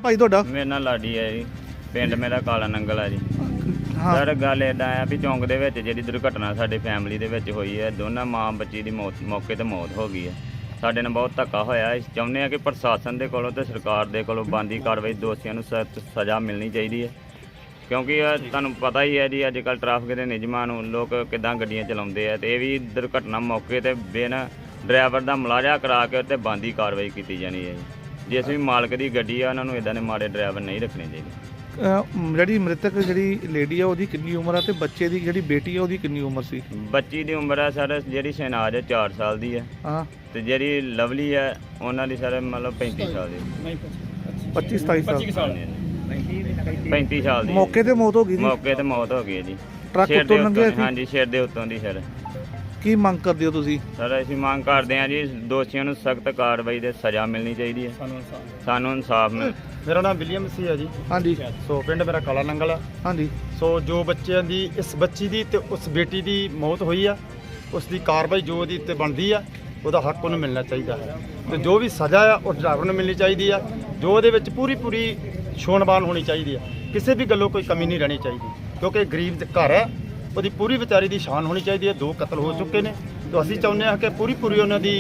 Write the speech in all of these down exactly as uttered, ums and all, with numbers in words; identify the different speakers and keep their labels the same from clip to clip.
Speaker 1: ਭਾਈ ਤੁਹਾਡਾ?
Speaker 2: ਮੇਰਾ ਨਾਂ ਲਾਡੀ ਹੈ ਜੀ, ਪਿੰਡ ਮੇਰਾ ਕਾਲਾ ਨੰਗਲ ਹੈ ਜੀ।
Speaker 1: ਹਾਂ
Speaker 2: ਸਰ ਗੱਲ ਇੱਦਾਂ ਆ ਵੀ ਚੌਂਕ ਦੇ ਵਿੱਚ ਜਿਹੜੀ ਦੁਰਘਟਨਾ ਸਾਡੇ ਫੈਮਿਲੀ ਦੇ ਵਿੱਚ ਹੋਈ ਹੈ, ਦੋਨਾਂ ਮਾਂ ਬੱਚੀ ਦੀ ਮੌਤ ਮੌਕੇ ਤੇ ਮੌਤ ਹੋ ਗਈ ਹੈ। ਸਾਡੇ ਨਾਲ ਬਹੁਤ ਧੱਕਾ ਹੋਇਆ। ਅਸੀਂ ਚਾਹੁੰਦੇ ਹਾਂ ਕਿ ਪ੍ਰਸ਼ਾਸਨ ਦੇ ਕੋਲੋਂ ਤੇ ਸਰਕਾਰ ਦੇ ਕੋਲੋਂ ਬਣਦੀ ਕਾਰਵਾਈ, ਦੋਸ਼ੀਆਂ ਨੂੰ ਸਖਤ ਸਜ਼ਾ ਮਿਲਣੀ ਚਾਹੀਦੀ ਹੈ। ਕਿਉਂਕਿ ਇਹ ਤੁਹਾਨੂੰ ਪਤਾ ਹੀ ਹੈ ਜੀ, ਅੱਜ ਕੱਲ੍ਹ ਟ੍ਰੈਫਿਕ ਦੇ ਨਿਯਮਾਂ ਨੂੰ ਲੋਕ ਕਿੱਦਾਂ ਗੱਡੀਆਂ ਚਲਾਉਂਦੇ ਆ, ਅਤੇ ਇਹ ਵੀ ਦੁਰਘਟਨਾ ਮੌਕੇ 'ਤੇ ਬਿਨ ਡਰਾਈਵਰ ਦਾ ਮੁਲਾਜ਼ਾ ਕਰਾ ਕੇ ਉੱਤੇ ਬਣਦੀ ਕਾਰਵਾਈ ਕੀਤੀ ਜਾਣੀ ਹੈ ਜੀ। ਜਿਸ ਵੀ ਮਾਲਕ ਦੀ ਗੱਡੀ ਆ, ਉਹਨਾਂ ਨੂੰ ਇੱਦਾਂ ਦੇ ਮਾੜੇ ਡਰਾਈਵਰ ਨਹੀਂ ਰੱਖਣੇ ਚਾਹੀਦੇ।
Speaker 1: ਜਿਹੜੀ ਮ੍ਰਿਤਕ ਜਿਹੜੀ ਲੇਡੀ ਆ ਉਹਦੀ ਕਿੰਨੀ ਉਮਰ ਆ, ਤੇ ਬੱਚੇ ਦੀ ਜਿਹੜੀ ਬੇਟੀ ਆ ਉਹਦੀ ਕਿੰਨੀ ਉਮਰ ਸੀ?
Speaker 2: ਬੱਚੀ ਦੀ ਉਮਰ ਹੈ ਸਰ, ਜਿਹੜੀ ਸ਼ਹਿਨਾਜ਼ ਹੈ ਚਾਰ ਸਾਲ ਦੀ ਹੈ,
Speaker 1: ਹਾਂ,
Speaker 2: ਤੇ ਜਿਹੜੀ ਲਵਲੀ ਹੈ ਉਹਨਾਂ ਦੀ ਸਰ ਮਤਲਬ ਪੈਂਤੀ ਸਾਲ ਦੀ।
Speaker 1: ਪੱਚੀ ਸਤਾਈ ਸਾਲ
Speaker 2: ਪੈਂਤੀ ਸਾਲ ਦੀ
Speaker 1: ਮੌਕੇ ਤੇ ਮੌਤ ਹੋ ਗਈ ਜੀ।
Speaker 2: ਮੌਕੇ ਤੇ ਮੌਤ ਹੋ ਗਈ ਹੈ ਜੀ।
Speaker 1: ਟਰੱਕ
Speaker 2: ਸਿਰ ਦੇ
Speaker 1: ਉੱਤੋਂ ਲੰਘਿਆ
Speaker 2: ਉੱਤੋਂ-
Speaker 1: ਸੀ?
Speaker 2: ਹਾਂਜੀ, ਸਿਰ ਦੇ ਉੱਤੋਂ ਦੀ ਸਰ।
Speaker 1: ਕੀ ਮੰਗ ਕਰਦੇ ਹੋ ਤੁਸੀਂ?
Speaker 2: ਸਰ ਅਸੀਂ ਮੰਗ ਕਰਦੇ ਹਾਂ ਜੀ, ਦੋਸ਼ੀਆਂ ਨੂੰ ਸਖਤ ਕਾਰਵਾਈ ਦੇ ਸਜ਼ਾ ਮਿਲਣੀ ਚਾਹੀਦੀ ਹੈ। ਸਾਨੂੰ ਇਨਸਾਫ ਮਿਲ।
Speaker 3: ਮੇਰਾ ਨਾਮ ਵਿਲੀਅਮ ਸੀ ਹੈ ਜੀ।
Speaker 1: ਹਾਂਜੀ
Speaker 3: ਸੋ ਪਿੰਡ ਮੇਰਾ ਕਾਲਾ ਨੰਗਲ ਆ।
Speaker 1: ਹਾਂਜੀ
Speaker 3: ਸੋ ਜੋ ਬੱਚਿਆਂ ਦੀ, ਇਸ ਬੱਚੀ ਦੀ ਤੇ ਉਸ ਬੇਟੀ ਦੀ ਮੌਤ ਹੋਈ ਆ, ਉਸ ਦੀ ਕਾਰਵਾਈ ਜੋ ਉਹਦੀ ਉੱਤੇ ਬਣਦੀ ਆ, ਉਹਦਾ ਹੱਕ ਉਹਨੂੰ ਮਿਲਣਾ ਚਾਹੀਦਾ ਹੈ। ਤੇ ਜੋ ਵੀ ਸਜ਼ਾ ਆ ਉਹ ਡਰਾਈਵਰ ਨੂੰ ਮਿਲਣੀ ਚਾਹੀਦੀ ਆ। ਜੋ ਉਹਦੇ ਵਿੱਚ ਪੂਰੀ ਪੂਰੀ ਛੋਣਬਾਨ ਹੋਣੀ ਚਾਹੀਦੀ ਆ, ਕਿਸੇ ਵੀ ਗੱਲੋਂ ਕੋਈ ਕਮੀ ਨਹੀਂ ਰਹਿਣੀ ਚਾਹੀਦੀ, ਕਿਉਂਕਿ ਗਰੀਬ ਦੇ ਘਰ ਹੈ, ਉਹਦੀ ਪੂਰੀ ਵਿਚਾਰੀ ਦੀ ਸ਼ਾਨ ਹੋਣੀ ਚਾਹੀਦੀ ਹੈ। ਦੋ ਕਤਲ ਹੋ ਚੁੱਕੇ ਨੇ, ਤਾਂ ਅਸੀਂ ਚਾਹੁੰਦੇ ਹਾਂ ਕਿ ਪੂਰੀ ਪੂਰੀ ਉਹਨਾਂ ਦੀ।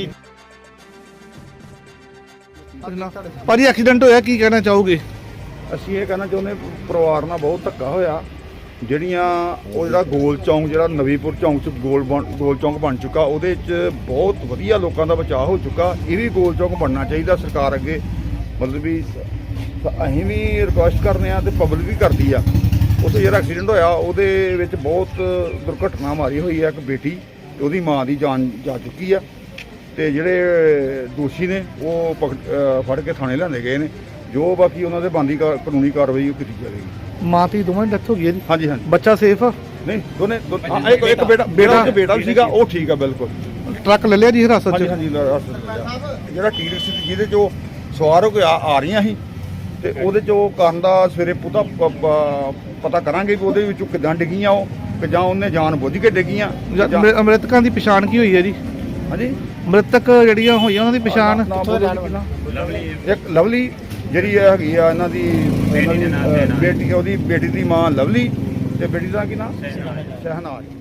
Speaker 1: ਭਾਜੀ ਐਕਸੀਡੈਂਟ ਹੋਇਆ, ਕੀ ਕਹਿਣਾ ਚਾਹੋਗੇ?
Speaker 4: ਅਸੀਂ ਇਹ ਕਹਿਣਾ ਚਾਹੁੰਦੇ, ਪਰਿਵਾਰ ਨਾਲ ਬਹੁਤ ਧੱਕਾ ਹੋਇਆ। ਜਿਹੜੀਆਂ ਉਹ ਜਿਹੜਾ ਗੋਲ ਚੌਂਕ, ਜਿਹੜਾ ਨਵੀਂਪੁਰ ਚੌਂਕ 'ਚ ਗੋਲ ਬਣ ਗੋਲ ਚੌਂਕ ਬਣ ਚੁੱਕਾ, ਉਹਦੇ 'ਚ ਬਹੁਤ ਵਧੀਆ ਲੋਕਾਂ ਦਾ ਬਚਾਅ ਹੋ ਚੁੱਕਾ। ਇਹ ਵੀ ਗੋਲ ਚੌਂਕ ਬਣਨਾ ਚਾਹੀਦਾ ਸਰਕਾਰ ਅੱਗੇ। ਮਤਲਬ ਵੀ ਅਸੀਂ ਵੀ ਰਿਕੁਐਸਟ ਕਰਦੇ ਹਾਂ ਤੇ ਪਬਲਿਕ ਵੀ ਕਰਦੀ ਆ। ਉੱਥੇ ਜਿਹੜਾ ਐਕਸੀਡੈਂਟ ਹੋਇਆ ਉਹਦੇ ਵਿੱਚ ਬਹੁਤ ਦੁਰਘਟਨਾ ਮਾਰੀ ਹੋਈ ਹੈ। ਇੱਕ ਬੇਟੀ ਤੇ ਉਹਦੀ ਮਾਂ ਦੀ ਜਾਨ ਜਾ ਚੁੱਕੀ ਆ, ਤੇ ਜਿਹੜੇ ਦੋਸ਼ੀ ਨੇ ਉਹ ਪਕੜ ਫੜ ਕੇ ਥਾਣੇ ਲਿਆਂਦੇ ਗਏ ਨੇ। ਜੋ ਬਾਕੀ ਉਹਨਾਂ ਦੇ ਬਣਦੀ ਕਾਨੂੰਨੀ ਕਾਰਵਾਈ ਉਹ ਕੀਤੀ ਜਾਵੇਗੀ।
Speaker 1: ਮਾਂ ਧੀ ਦੋਵਾਂ ਦੀ ਡੈਥ ਹੋ ਗਈ ਹੈ ਜੀ?
Speaker 4: ਹਾਂਜੀ ਹਾਂਜੀ।
Speaker 1: ਬੱਚਾ ਸੇਫ ਆ?
Speaker 4: ਨਹੀਂ, ਦੋਨੇ ਹਾਂ, ਇੱਕ ਇੱਕ ਬੇਟਾ ਬੇਟਾ ਇੱਕ ਬੇਟਾ ਵੀ ਸੀਗਾ, ਉਹ ਠੀਕ ਆ ਬਿਲਕੁਲ।
Speaker 1: ਟਰੱਕ ਲੈ ਲਿਆ ਜੀ ਹਿਰਾਸਤ 'ਚ?
Speaker 4: ਹਾਂਜੀ ਹਾਂਜੀ। ਜਿਹੜਾ ਟੀ ਰਿਕਸ਼ਾ ਸੀ ਜਿਹਦੇ 'ਚ ਉਹ ਸਵਾਰ ਹੋ ਕੇ ਆ ਆ ਰਹੀਆਂ ਸੀ, ਤੇ ਉਹਦੇ 'ਚ ਉਹ ਕਰਨ ਦਾ ਸਵੇਰੇ ਪੂਰਾ ਪਤਾ ਕਰਾਂਗੇ ਕਿ ਉਹਦੇ ਵਿੱਚੋਂ ਕਿੱਦਾਂ ਡਿੱਗੀਆਂ ਉਹ, ਕਿ ਜਾਂ ਉਹਨੇ ਜਾਣ ਬੁੱਝ ਕੇ ਡਿੱਗੀਆਂ।
Speaker 1: ਮ੍ਰਿਤਕਾਂ ਦੀ ਪਛਾਣ ਕੀ ਹੋਈ ਹੈ ਜੀ?
Speaker 4: ਹਾਂਜੀ,
Speaker 1: ਮ੍ਰਿਤਕ ਜਿਹੜੀਆਂ ਹੋਈਆਂ ਉਹਨਾਂ ਦੀ ਪਛਾਣ?
Speaker 4: ਇੱਕ ਲਵਲੀ ਜਿਹੜੀ ਹੈਗੀ ਆ ਇਹਨਾਂ ਦੀ ਬੇਟੀ, ਉਹਦੀ ਬੇਟੀ ਦੀ ਮਾਂ ਲਵਲੀ, ਤੇ ਬੇਟੀ ਦਾ ਕੀ ਨਾਮ? ਸ਼ਹਿਨਾਜ਼।